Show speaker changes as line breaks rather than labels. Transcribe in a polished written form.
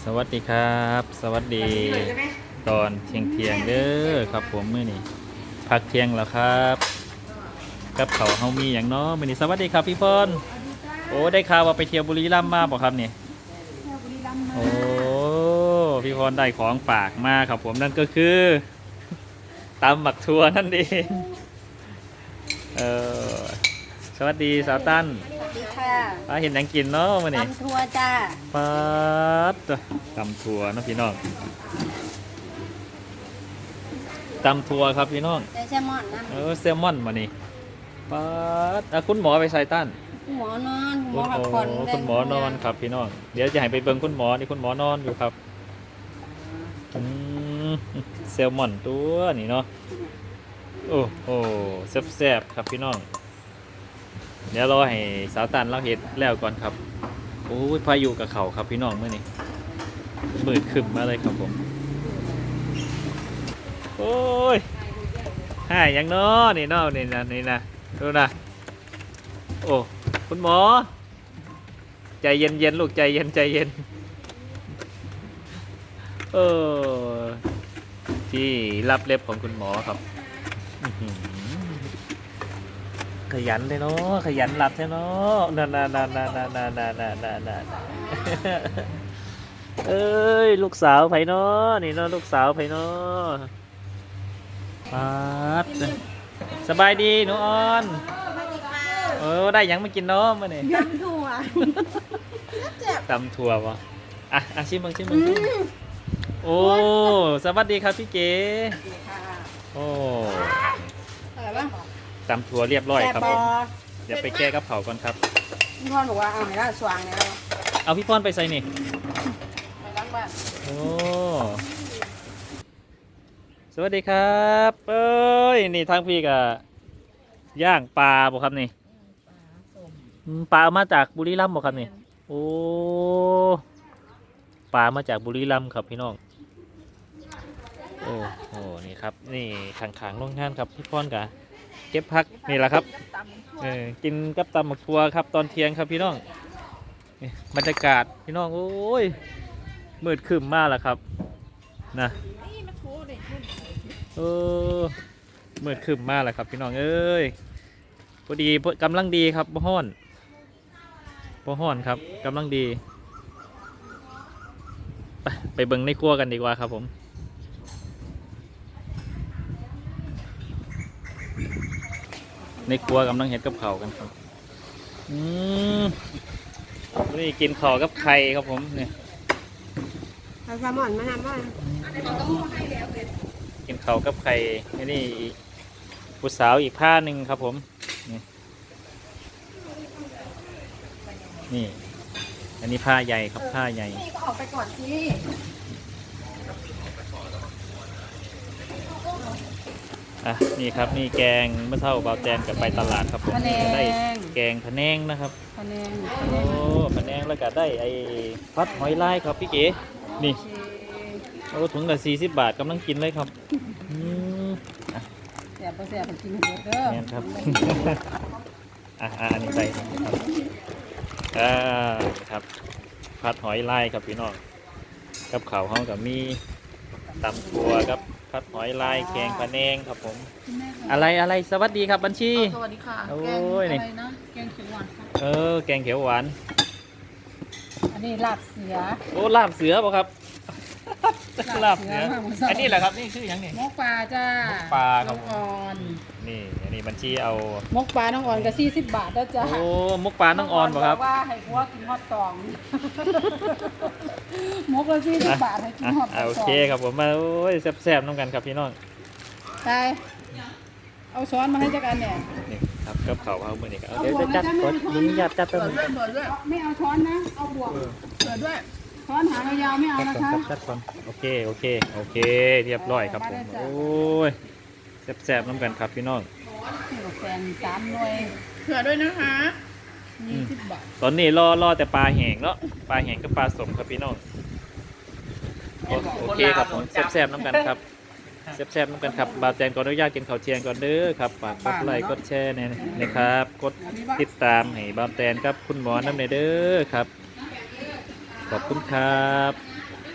สวัสดีครับสวัสดีตอนเที่ยงเด้อครับผมมื้อนี้พักเที่ยงแล้วครับกับเขาวเฮามีอย่างเนาะมื้อนี้สวัสดีครับพี่พรโอ้ได้ข่าวว่าไปเที่ยวบุรีรัมย์มาบ่ครับนี่โอ้พี่พรได้ของฝากมาครับผมนั่นก็คือตำบักทั่วนั่นเองเออสวัสดีสาวตั้น
สวัสดีค่ะ
เห็นหยังกินเนาะมื้อนี้
ตำทัวจ้า
ปัดตำถั่วนะพี่น้องตำถั่วครับพี่น้อง
แซลมอนนะ
แซลมอนมานี่ปัดคุณหมอไปใส่ต้าน
หมอนอนหมอพักผ่อน
คุณหมอนอนครับพี่น้องเดี๋ยวจะให้ไปเบิ่งคุณหมอนี่คุณหมอนอนอยู่ครับแซลมอนตัวนี่เนาะโอ้โหแซ่บๆครับพี่น้องเดี๋ยวรอให้สาวตันเราเห็ดแล้วก่อนครับโอ้ยพายุกับเขาครับพี่น้องเมื่อนี้มืดขึ้นมาเลยครับผมโอ้ยหายยังเนาะนี่เนาะนี่นะดูนะโอ้คุณหมอใจเย็นลูกใจเย็นเออที่รับเล็บของคุณหมอครับขยันเลยเนาะขยันหลับเลยเนาะนั่นเอ้ยลูกสาวไผเนาะนี่เนาะลูกสาวไผเนาะปัดสบายดีหนูออนได้ยังไม่กินเนาะมาเนี่ย
ยำถั่ว
ตำถั่ววะชิมมึงโอ้สวัสดีครับพี่เก๋โอ้
อะไรบ้าง
ตำถั่วเรียบร้อยครับผมเดี๋ยวไปแก้กับเผาก่อนครับ
พี่พรบอกว่าเอาไหนล่ะสว่างเนี่ย
เอาพี่พรไปใส่นี่
ไปล้างบ้าน
โอ้สวัสดีครับเอ้ยนี่ทางพี่กับย่างปลาบ่ครับนี่ปลามาจากบุรีรัมย์บ่ครับนี่โอ้ปลามาจากบุรีรัมย์ครับพี่น้องโอ้โหนี่ครับนี่ขังโรงงานครับพี่พรกะเก็บพักนี่แหละครับกินกับตำบักทั่วครับตอนเที่ยงครับพี่น้องบรรยากาศพี่น้องโอ้ยมืดครึ้มมากแล้วครับนะมืดครึ้มมากแล้วครับพี่น้องเอ้ยพอดีกำลังดีครับบ่ฮ้อนครับกำลังดีไปเบิ่งในครัวกันดีกว่าครับผมในครัวกำลังเห็ดกับข้าวกันครับนี่กินข้าวกับไข่ครับผมเนี่ย
แซลมอนมาทำบ้าง
กินข้าวกับไข่นี่ผู้สาวอีกผ้าหนึ่งครับผมนี่อันนี้ผ้าใหญ่ครับผ้าใหญ่
นี่ก็ออกไปก่อนสิ
นี่ครับนี่แกงเมื่อเช้าเบาแจนกับไปตลาดครับผมได้แกงพะแนงนะครับ
พะแนง
พะแนงแล้วก็ได้ไอ้พัดหอยลายครับพี่เก๋นี่ถุงละ40 บาทกำลังกินเลยครับ
แซ่บกินเยอะเด้อ
นี่ครับอันนี้ใส่ครับพัดหอยลายครับพี่น้องกับข้าวห้องกับมีตำถั่วกับพัดหอยลายแกงพะแนงครับผมอะไรสวัสดีครับบัญชี
สวัสดีค่ะ
โอ้
ย
นี่
แกงเขียวหวาน
แกงเขียวหวาน
อันนี้ลาบเสือ
ลาบเสือป่ะครับลาบเสืออันนี้แหละครับนี่คืออย่างนี้
มกปลาจ้าม
กปลาครับ
อ่อน
นี่อันนี้บัญชีเอา
มกปลาน้องอ่อนก็40 บาทแล้วจ้า
โอ้มกปลาน้องอ่อนป่ะครับ
ว่าให้ผัวกินฮอตตองมกละ40 บาทให้กินฮอตตอง
โอเคครับผมมาโอ้ยแซ่บๆน้องกันครับพี่น้อง
ไปเอาช้อนมาให้จักอันเนี่ย
นี่ครับกับข้าวเอามือนี่ครับเดี๋ยวจะจัดก่อนนี่อยากจัดตัวนึง
ไม่เอาช้อนนะเอาบวกเปิดด้วยช้อนหางยาวไม่เอานะคะ
จัดก่อนโอเคเรียบร้อยครับผมโอ้ยแซ่บๆน้ำกันครับพี่น้อง
แกง3 หน่วยเผื่อด้วยนะคะ20 บาท
ตอนนี้รอแต่ปลาแห้งเนาะปลาแห้งกับปลาสมครับพี่น้องโอเคครับผมแซ่บๆน้ำกันครับแซ่บๆน้ำกันครับบาแจนก่อนอนุญาตกินข้าวเที่ยงก่อนเด้อครับฝากกดไลค์กดแชร์นะครับกดติดตามให้บาแจนครับคุณหมอน้ำเนเด้อครับขอบคุณครับ